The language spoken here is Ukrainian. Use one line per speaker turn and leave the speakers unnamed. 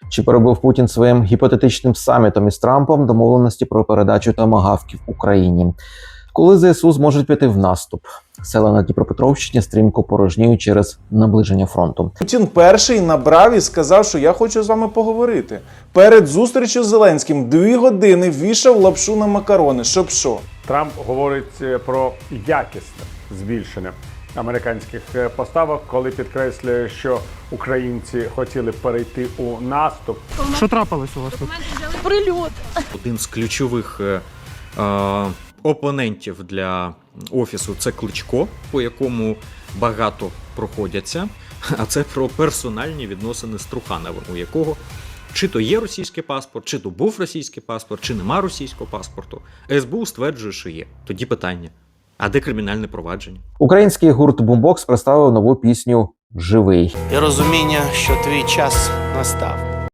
Чи перебив Путін своїм гіпотетичним самітом із Трампом домовленості про передачу томагавків Україні? Коли ЗСУ зможуть піти в наступ? Села на Дніпропетровщині стрімко порожніють через наближення фронту.
Путін перший набрав і сказав, що я хочу з вами поговорити. Перед зустрічю з Зеленським 2 години вішав лапшу на макарони. Щоб що?
Трамп говорить про якісне збільшення американських поставок, коли підкреслює, що українці хотіли перейти у наступ.
Що трапилось у вас тут?
Прильот.
Один з ключових опонентів для Офісу – це Кличко, по якому багато проходяться, а це про персональні відносини з Трухановим, у якого чи то є російський паспорт, чи то був російський паспорт, чи нема російського паспорту. СБУ стверджує, що є. Тоді питання, а де кримінальне провадження?
Український гурт Бумбокс представив нову пісню «Живий».
І розуміння, що твій час настав.